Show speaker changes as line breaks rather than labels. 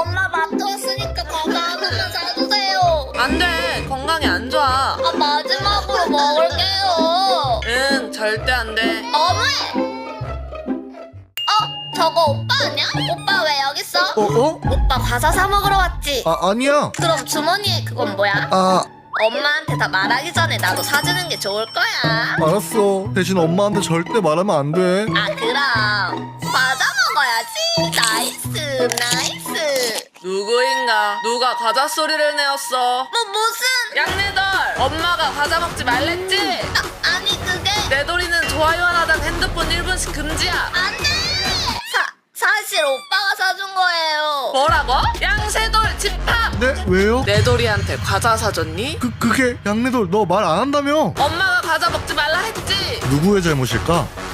엄마 마트 왔으니까 과자 하나만 사주세요.
안돼, 건강에 안 좋아.
아, 마지막으로 먹을게요.
응, 절대 안돼.
너무해. 저거 오빠 아니야? 오빠 왜 여기 있어?
어?
오빠 과자 사 먹으러 왔지?
아니야.
그럼 주머니에 그건 뭐야? 엄마한테 다 말하기 전에 나도 사주는 게 좋을 거야.
알았어. 대신 엄마한테 절대 말하면 안 돼.
아, 그럼 과자 먹어야지. 나이스 나이스.
누구인가? 누가 과자 소리를 내었어?
무슨?
양내돌! 엄마가 과자 먹지 말랬지?
아니 그게
내돌이는 좋아요 하나당 핸드폰 1분씩 금지야.
안돼. 사실 오빠가 사준 거예요.
뭐라고? 양세돌 집합!
네? 왜요?
내돌이한테 과자 사줬니?
그게 양내돌 너 말 안 한다며?
엄마가 과자 먹지 말라 했지?
누구의 잘못일까?